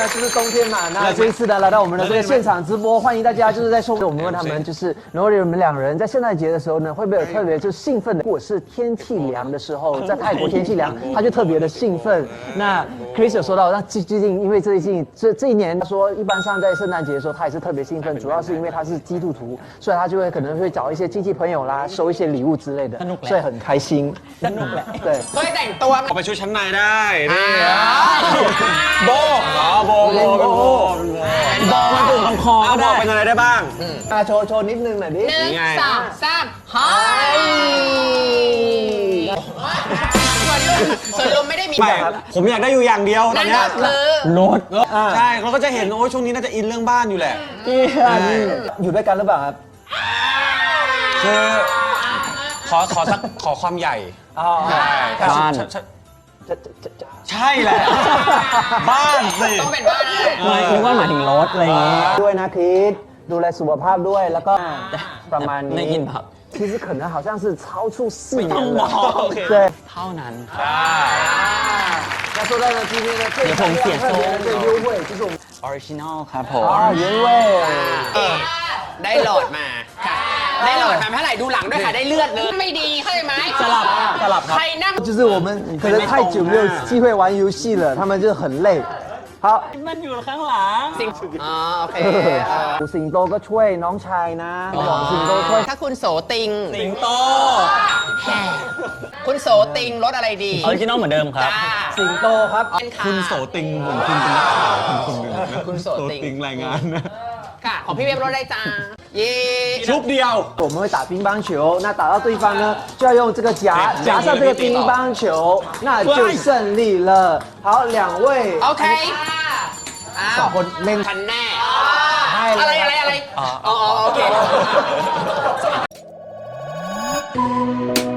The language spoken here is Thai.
呢就是冬天嘛，那这一次呢来到我们的这个现场直播，欢迎大家就是在收。我们问他们就是，如果你们2人在圣诞节的时候呢，会不会有特别就是兴奋的？如果是天气凉的时候，在泰国天气凉，他就特别的兴奋。那 Chris 有说到，那最近因为这一年，他说一般上在圣诞节的时候，他也是特別興奮，主要是因為他是基督徒，所以他就會可能會找一些親戚朋友啦，收一些禮物之類的，所以很開心。 สนุกแหละ對， เคยแต่งตัวไหมเอาไปชุดชั้นในได้นี่โบโบมันถึงลำคอเอาโบได้เป็นอะไรได้บ้างโชว์นิดนึงหน่อยดิ 1 2 3 ฮ้ยส่วนลมไม่ได้มีไม่ผมอยากได้อยู่อย่างเดียวตอนั่นนเนี้ก็ยคือรถใช่เราก็จะเห็นโอ้ยช่วงนี้น่าจะอินเรื่องบ้านอยู่แหละอยู่ด้วยกันหรือเปล่าครับคือขอความใหญ่อ๋อบ้านใช่แหละ บ้านสิต้องเป็นบ้านเลยไม่นึกว่าหมายถึงรถอะไรอย่างงี้ด้วยนะคริสดูแลสุขภาพด้วยแล้วก็ประมาณนี้ได้ยินครับ其实可能好像是超出4年了，对。 เท่านั้น那说到呢，今天的最有ผมเสียโซ่特别的这个优惠就是我们ออริจินอลครับผม原味。 ได้หลอดมาค่ะได้หลอดมาเท่าไหร่ดูหลังด้วยค่ะได้เลือดเลยไม่ดีเข้าใจไหมสลับครับใครนั่ง就是我们可能太久没有机会玩游戏了，他们就很累。好， มันอยู่ข้างหลังสิงอ๋อโอเคสิงโตก็ช่วยน้องชายนะบอกสิงโตช่วยถ้าคุณโสติงสิงโตคุณโสติงรถอะไรดีออริจินอลเหมือนเดิมครับจ้าสิงโตครับเป็นค่ะคุณโสติงผมคุณเป็นนักข่าวคุณเลยนะคุณโสติงรายงานนะค่ะ ของพี่เว็บรถได้จ้า เย่ชุบเดียว我们会打乒乓球，那打到对方呢，就要用这个夹上这个乒乓球，那就胜利了。好，2位， โอเคอ้าว 2คนเล่นทันแน่ให้เลยอะไรอ๋อโอเค